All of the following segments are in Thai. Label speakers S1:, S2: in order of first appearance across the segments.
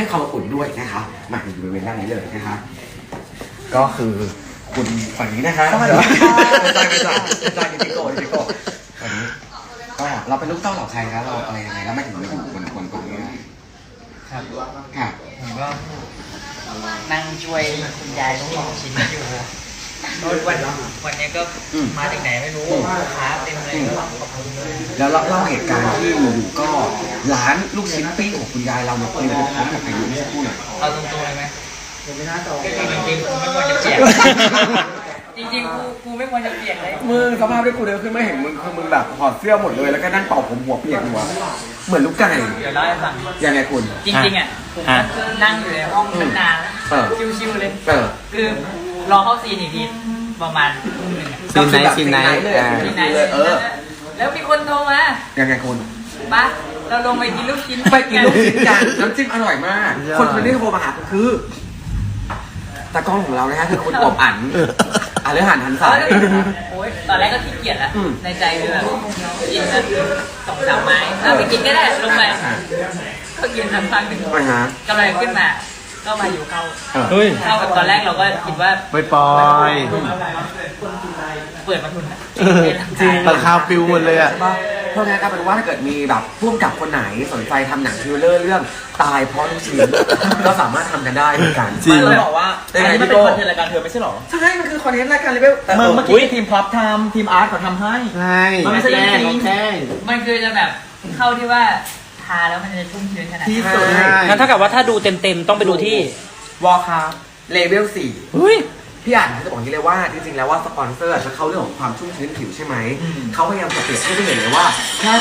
S1: ให้ความอบอุ่นด้วยนะคะมาอยู่บริเวณด้านนี้เลยนะคะก็คือคุณฝั่งนี้นะคะไม่ใช่ยูนิโกฝั่งนี้ก็เราเป็นลูกเต้าเหล่าใครคะเราอะไรยังไงแล้วไม่ถึงมาอยู่บนตรงนี้ครับค่ะ
S2: ผมก็นั่งช่วยคุณยายต้องลองชิ้นอยู่วันนี้ก็มาจากไหนไม่รู้ลูกค้าเต็มเลยก็ขอบคุณเลย
S1: แล้วเล่าเหตุการณ์ที่อยู่ก็ร้านลูกชิ้นปิ้งของคุณยายเราเนี่ยเคยไปพร้อมกับพายุเมื่อสักครู่หน่อย
S2: เอาตรงๆเลยไหมก็คือจริงๆกูไม่ควรจะเปลี่ยนจริงๆกูไม่ควรจะเปลี่ยนเลย
S1: มึงสภาพที่กูเดินขึ้นไม่เห็นมึงคือมึงแบบถอดเสื้อหมดเลยแล้วก็นั่งเป่าผมหัวเปียกหัวเหมือนลูกไก่
S2: เดี๋ยวเล่าให้ฟัง
S1: ยังไงคุณ
S2: จริงๆอ่ะผมนั่งอยู่ในห้องนานชิวๆเลยคือรอเข้าซีนอีกทีประมาณทุ่มหนึ่งอ่ะ
S1: ซีนไหนเลย
S2: แล้วมีคนโทรมา
S1: ยังไงคุณ
S2: ปะเราลงไปกินลูกชิ้น
S1: ไปกินลูกชิ้นกันน้ำจิ้มอร่อยมากคนที่โทรมาหาคือตากล้องของเรานะฮะคือคุณอบอั๋นเรื่องอาหารทันสาย
S2: โอ๊ยตอนแรกก็ขี้เกียจแล้วในใจคือแบบกินกัน2-3 ไม้เอาไปกินก็ได้ลงไปก็กินทันฟังหนึ่งกำลังขึ้นมาก็มาอยู่เข้าแบบตอนแรกเราก็คิดว่า
S3: ปล่อย
S2: เปิดมาทุน
S3: จริงราคาฟิวหมดเลยอ่ะ
S1: เพราะงั้นก็เป็นว่าถ้าเกิดมีแบบร่วมกับคนไหนสนใจทำหนังทริลเลอร์เรื่องตายเพราะลูกชิ้นก็สามารถทำกันได้เหมือนกัน
S3: จริง
S2: เราบอกว่าอันนี้มันเป็นคอนเทนต์รายการเธอไม่ใช่หรอ
S1: ใช่มันคือคอนเทนต์รายการเลเวลแต่
S2: เมื่อกี้ทีมพร็อพทำทีมอาร์ตเขาทำให้
S3: ใช่
S2: มันไม่ใช่จริงมันคือจะแบบเข้าที่ว่าทาแล้วมันจะชุ่มชื้นขนาดที่สุด
S4: งั้นเท่ากับว่าถ้าดูเต็มๆต้องไปดูที่
S1: วอลคาร์เลเวล4พี่อ่านจะบอกอย่างนี้เลยว่าจริงๆแล้วว่าสปอนเซอร์จะเข้าเรื่องของความชุ่มชื้นผิวใช่ไหมเขาพยายามจะเปรียบให้ได้เห็นเลยว่าแค่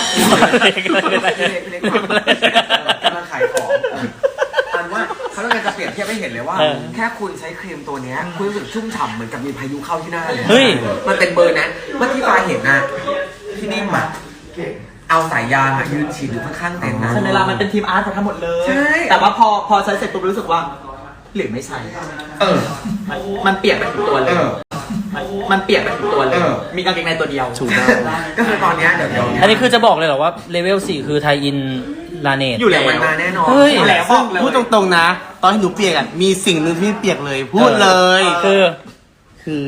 S1: กำลังขายของอันว่าเขาต้องการจะเปรียบเทียบให้เห็นเลยว่าแค่คุณใช้ครีมตัวนี้คุณรู้สึกชุ่มฉ่ำเหมือนกับมีพายุเข้าที่หน้าเลยมันเป็นเบอร์นั้นเมื่อที่ฟ้าเห็นนะที่นิ่มอ่ะเอาสายยางยืนฉีดอยู่ข้างๆเต็นท์นะ
S2: ใช่ไหมล่ะมันเป็นทีมอาร์ตเขาทั้งหมดเลยแต่ว่าพอใช้เสร็จปุ๊บรู้สึกว่าหรือไม่ใช่มันเปียกไปถึงตัวเลยมันเปียกไปถึงตัวเลยมีกางเกงในตัวเดียว
S3: ถูกต้อง
S1: ก็คือตอนนี้เดี๋ยว
S4: อันนี้คือจะบอกเลยเหรอว่าเลเวล4คือไทยอินลาเนต
S1: อยู่แล้วมันมาแน่นอน
S2: อยู่แล้วบอกเลย
S3: พูดตรงๆนะตอนที่หนูเปียกอ่ะมีสิ่งหนึ่งที่เปียกเลยพูดเลยคือ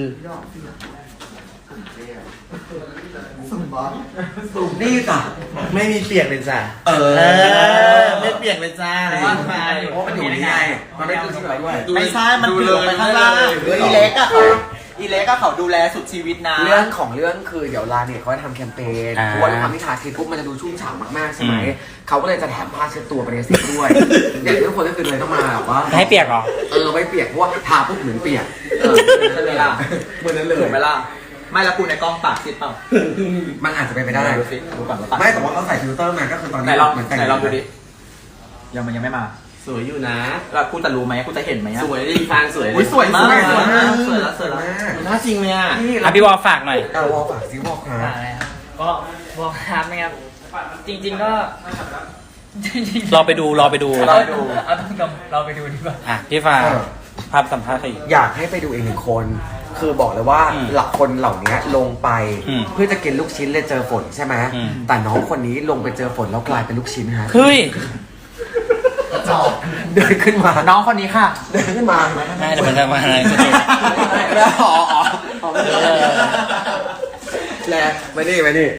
S1: นี่จ้ะ
S3: ไม่มีเปียกเลยจ้ะไม่เปียกเลยจ้า
S1: เพราะมันอยู่นี่ไงมันไม่ตื้นที่ไหนด้วย
S2: ไม่ใช่มันถึงไปข้างล่างอีเล็กอะเขาดูแลสุดชีวิตนะ
S1: เรื่องของเรื่องคือเดี๋ยวลาเนี่ยเขาจะทำแคมเปญเพราะว่าความที่ทาครีมปุ๊บมันจะดูชุ่มฉ่ำมากๆใช่ไหมเขาก็เลยจะแถมผ้าเช็ดตัวไปในเซ็ตด้วยอย่างทุกคนก็คือเลยต้องมาแบบว่า
S4: ให้เปียกเหรอ
S1: ไม่เปียกเพราะว่าทาปุ๊บเหมือนเปียก
S2: ใช่ไหมล่ะ
S1: เหมือนนั้นเลย
S2: ถูกไหมล่ะไม่ละกูในกล้องปากซิดเปล่า
S1: มันอาจจะเป็นไปได้ไม่แต่ว่าเขาใส่ฟิลเตอร์มาก็คือตอนนี้
S2: ไหนลองดูดิมันยังไม่มา
S3: สวยอยู่นะ
S2: แล้วกูจะรู้ไหมกูจะเห็นไหม
S3: สวยดีฟางสวยเลย
S2: สวยมากสวยแล้ว
S3: น่าจริงเลยอ่ะ
S4: พี่วอลฝากหน่อยว
S1: อลฝากซิวอลครับ
S2: ก็วอลครับนะครับจริงๆก็
S4: รอไปดู
S2: เอาต้องเราไปดูดีกว่า
S4: พี่ฟ้าภาพสัมภาษณ์ใคร
S1: อยากให้ไปดูอีกหนึ่งคนคือบอกเลยว่าหลักคนเหล่านี้ลงไปเพื่อจะกินลูกชิ้นเลยเจอฝนใช่ไหมแต่น้องคนนี้ลงไปเจอฝนแล้วกลายเป็นลูกชิ้นฮะ
S4: เฮ้ย
S1: เดินขึ้นมา
S2: น้องคนนี้ค่ะ
S1: เดินขึ้นมา
S4: ไม่แต่มันจะมาอะไร
S1: แล้วแล้วมานี่